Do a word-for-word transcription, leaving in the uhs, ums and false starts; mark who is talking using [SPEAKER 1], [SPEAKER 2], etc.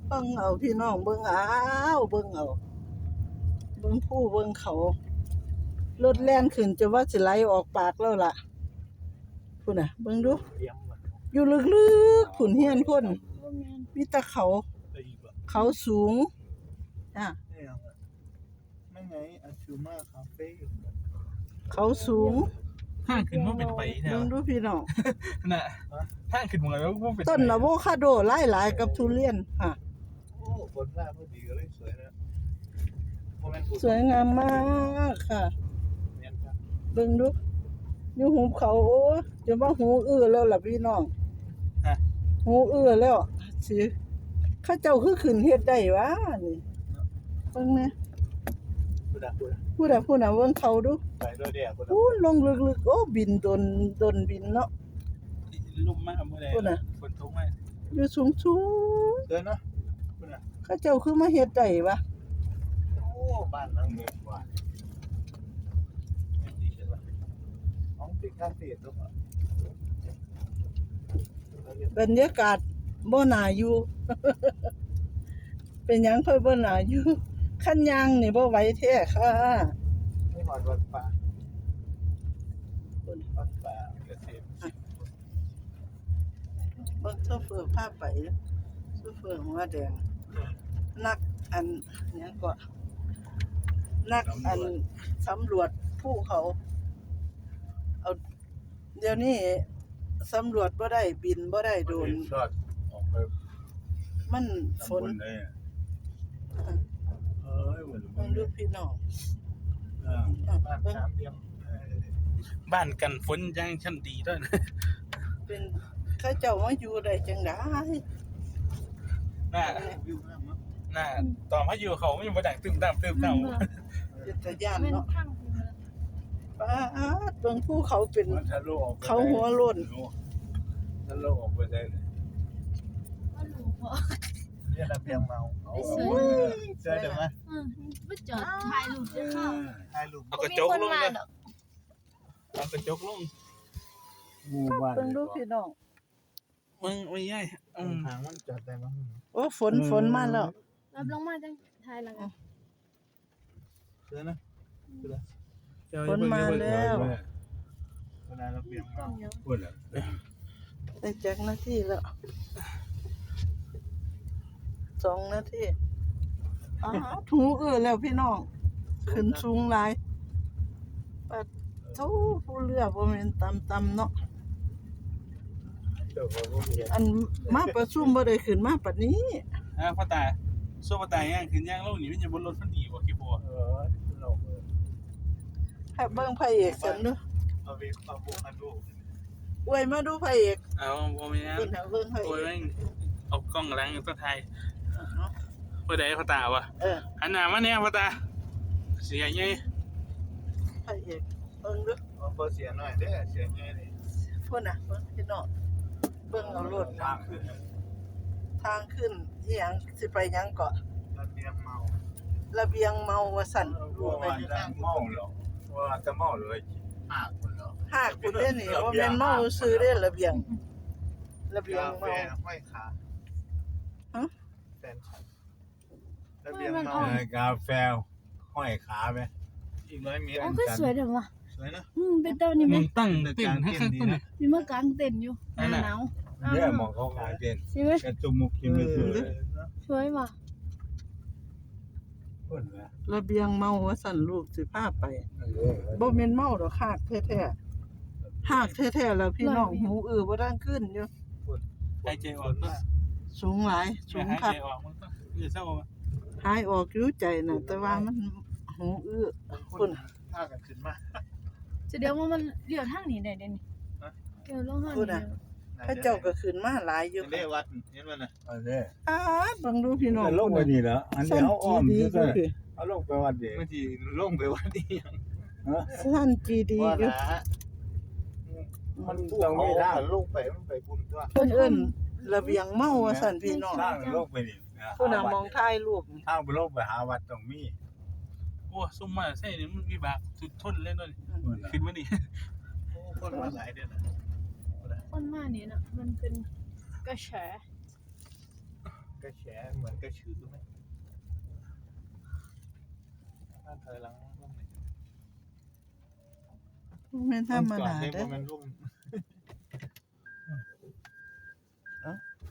[SPEAKER 1] เบิ่งเอาพี่น้องเบิ่งเอาเบิ่งเอาเบิ่งภูเบิ่งเขารถแล่นขึ้นจะว่าสิไหลออกปากแล้วล่ะพุ่นน่ะเบิ่งดูอยู่ลึกๆพุ่นเฮียนคนมีแต่เขาเขาสูงจ้ะ
[SPEAKER 2] ไม่ไงอาชูมาคาเฟ่
[SPEAKER 1] เขาสูง
[SPEAKER 3] ห้างขึ้นว่าเป็นไปแถว
[SPEAKER 1] เบิ่งดูพี่น้อง
[SPEAKER 3] น่ะห้างขึ้นมาแล้วว่าเป็น
[SPEAKER 1] ต้นอะโวคาโดหลายๆกับทุเรียนค่ะ
[SPEAKER 2] โอ้บนหน้าพอดีก็เลยสวยนะ
[SPEAKER 1] สวยงามมากค่ะเบิ่งดูอยู่หุบเขาโอ้จะว่าหูอื้อแล้วล่ะพี่น้องหูอื้อแล้วสิเขาเจ้าคือขึ้นเฮ็ดได้วะนี่เบิ่งแหน่พูดอะพูดอะเบิ่งเขาดู
[SPEAKER 2] ไปด้วยเดียว
[SPEAKER 1] พูดลงลึกๆโอ้บินดนดนบินเนาะ
[SPEAKER 3] ลุ่มมากเมื่อไรฝนตกมาก
[SPEAKER 1] อยู่สูง
[SPEAKER 2] เดินเนาะ
[SPEAKER 1] ๆเขาเจ้าคือมาเฮ็ดได้วะ
[SPEAKER 2] โอ้บ้านหลังเมืองกว่าไม่ดีใช่ปะห้องติดข้างติดทุก
[SPEAKER 1] บรรยากาศบ่น่าอยู่ เป็นหยังค่อยบ่น่าอยู่คันยางนี่บ่ไหวแท้ค่ะ
[SPEAKER 2] ไม่หอดวัดป่าวัดป่าเกษตร
[SPEAKER 1] เบิ่งโซเฟอร์พาไปโซเฟอร์หัวแดงนักอันหยังก็นักอันสำรวจภูเขาเอาเดี๋ยวนี้สำรวจบ่ได้บินบ่ได้โดรน
[SPEAKER 2] ชอดออกไป
[SPEAKER 1] มันฝน
[SPEAKER 2] เอ้ยเหมือน
[SPEAKER 1] เบิ่งดูพี่น้อง
[SPEAKER 2] บ้านสามเหลี่ยม
[SPEAKER 3] บ้านกันฝนยังชั้นดีด้วยนะ
[SPEAKER 1] เป็นเขาเจ้ามาอยู่ได้จังได๋
[SPEAKER 3] น่า
[SPEAKER 2] วิวงามเนาะ
[SPEAKER 3] น่าตอนพายุเขาไม่มาดังตึมตามตึมตาม
[SPEAKER 1] เป็นตาย่านเนาะป้าดเบิ่งภูเขาเป็น
[SPEAKER 2] มันทะลุออก
[SPEAKER 1] เขาหัวโล้น
[SPEAKER 2] ทะลุออกไปได้เลยเนี่ยระเบียงเมาโอ้ยเจอเดี๋ยวไหม
[SPEAKER 4] ไม่จอดถ่ายรูปจะเข้า
[SPEAKER 2] ถ่ายรูป
[SPEAKER 3] เอากระจกลงเลยเอากระจกลง
[SPEAKER 2] งูบ้าน
[SPEAKER 1] เบิ่งดูพี่น้อง
[SPEAKER 3] มึงไม่ย่ายอืม
[SPEAKER 2] ทางมันจอดได้มั้ง
[SPEAKER 1] โอ้ฝนฝนมาแล้ว
[SPEAKER 4] รับลงมาจังถ่ายแล้วกัน
[SPEAKER 2] เจอนะ
[SPEAKER 1] ฝนมาแล้ว
[SPEAKER 2] เวลาระเบียงเมาพูดเลย
[SPEAKER 1] ได้จักนาทีแล้วสองนาทีอ้าวถูเอื้อแล้วพี่น้องขึ้นสูงหลายปัดโธ่ผู้เรือบ่แม่นต่ำๆเนาะ
[SPEAKER 2] เดี๋ยวผมเห็น
[SPEAKER 1] อันมาประชุมบ่ได้ขึ้นมาปานนี้
[SPEAKER 3] อ่าพ่อตาโซ่พ่อตาย่างขึ้นย่างลงนี่มันจะบนรถพันดีกว่ากี่บัว
[SPEAKER 2] เออเรา
[SPEAKER 1] ให้เบิ่งพระเอกซั่นเด้อ
[SPEAKER 2] เอาไปเอาบุกมาดู
[SPEAKER 1] อวยมาดูพระเอก
[SPEAKER 3] เอาโมเมนต์
[SPEAKER 1] เบิ่งหาเบิ่งพระเอ
[SPEAKER 3] โอ้ย
[SPEAKER 1] ก
[SPEAKER 3] แม่งเอากล้องล้างตัวไทยเพื่อใดพ่อตาวะ
[SPEAKER 1] เออ
[SPEAKER 3] หันหน้ามาเนี่ยพ่อตาเสียไง
[SPEAKER 1] พระเอกเบิ่งดู
[SPEAKER 2] เอาเบอร์เสียหน่อยเด้อเสียไงนี่
[SPEAKER 1] พุ่นน่ะเบิ่งพี่น้องเบิ่งเอารถ
[SPEAKER 2] ทางขึ้น
[SPEAKER 1] ทางขึ้นอีหยังสิไปหยังเกาะ
[SPEAKER 2] ระเบียงเมา
[SPEAKER 1] ระเบียงเมาว่าสั่น
[SPEAKER 2] รู้ไปทางเมาหรอว่าจะเมาเลยหากคนเหรอ
[SPEAKER 1] หากคุณเด้นี่ว่าแม่นเมาซื้อเด้ระเบียง ระเบียง
[SPEAKER 2] กาแฟ
[SPEAKER 1] เมา
[SPEAKER 2] ห้อยขา
[SPEAKER 1] ฮะ
[SPEAKER 2] แฟนฉันระเบียงเมา
[SPEAKER 5] เออกาแฟห้อยขาไหม
[SPEAKER 2] อีกร้อยเมตร
[SPEAKER 4] อ๋อคือสวยเด้อว่ะ
[SPEAKER 2] สวยนะ
[SPEAKER 4] อืมเป็นต้นนี่ไหม
[SPEAKER 3] มึงตั้งเต้นให้ข้างต้น
[SPEAKER 4] มีมากางเต็นท์อยู่หน้าหนาว
[SPEAKER 5] เนี่ยมองเขาขายเป็น
[SPEAKER 4] ใช่ไหม
[SPEAKER 5] กระจุมุกกินไม่ถูกเลย
[SPEAKER 4] สวยว่ะ
[SPEAKER 5] คนละ
[SPEAKER 1] ระเบียงเมาว่าสั่นลูกสิพาไป
[SPEAKER 5] เออ
[SPEAKER 1] บ่แม่นเมาดอกหากแท้ๆหากแท้ๆแล้วพี่น้องหูอื้อบ่ดังขึ้นอยู่
[SPEAKER 3] หายใจออกก็
[SPEAKER 1] สูงหลายสูง
[SPEAKER 3] หาย
[SPEAKER 1] คั
[SPEAKER 3] ใจ
[SPEAKER 1] ก
[SPEAKER 3] ออกมันก็จะเศร้า
[SPEAKER 1] หายออกอยู่ใจน่ะแต่ว่ามันหูอื้อ
[SPEAKER 2] คุ
[SPEAKER 1] พุ่
[SPEAKER 2] ณ
[SPEAKER 1] น
[SPEAKER 2] พากันขึ้นมา
[SPEAKER 4] จะเดี๋ยวว่ามันเลี้ยวทางนี้ได้เด้นี่เดี๋ยวลงทางนี้
[SPEAKER 1] พระเจ้าก็ขึ้นมาหลายอยู่
[SPEAKER 2] เห็นได้วัดเห็นมันนะ
[SPEAKER 5] เอาเนี่ย
[SPEAKER 1] อ้าเบิ่งดูพี่น้อง
[SPEAKER 5] ลงไปนี่เหรออันนี้เอาอ้อม
[SPEAKER 1] ดี
[SPEAKER 5] ใช่
[SPEAKER 1] ๆ
[SPEAKER 5] ไหม
[SPEAKER 1] อยู่
[SPEAKER 5] เอาลงไปวัดเดียว
[SPEAKER 2] เมื่อกี้ลงไปวัดนี่ยัง
[SPEAKER 5] ฮะ
[SPEAKER 1] สั้นจีดี
[SPEAKER 2] ว่า
[SPEAKER 1] อยู่
[SPEAKER 2] ละมันต้องมีทางลงไปมันไปบุญตัว
[SPEAKER 1] เพิ่นเอิ้นระเบียงเมาว่าสั่นพี่น้อง
[SPEAKER 5] ทางลงไปนี่นะ
[SPEAKER 1] ผู้น่ะมองถ่ายรูป
[SPEAKER 5] ทางไปลงไปหาวัดตรงมี
[SPEAKER 3] โอ้ซุ่มมาใส่นี่มันมีบากสุดทนเลยนั่นขึ้นมาดิ
[SPEAKER 2] โอ้คนมาหลายเดือนนะ
[SPEAKER 4] คนมานี่น่ะมันเป็นกระแส
[SPEAKER 2] กระแฉเหมือนกระชือไหมถ้าถอยหลังลงนี่
[SPEAKER 1] บ่แม่นธรรมดา
[SPEAKER 2] เด้
[SPEAKER 1] เด้อ
[SPEAKER 2] บ่แม่นลง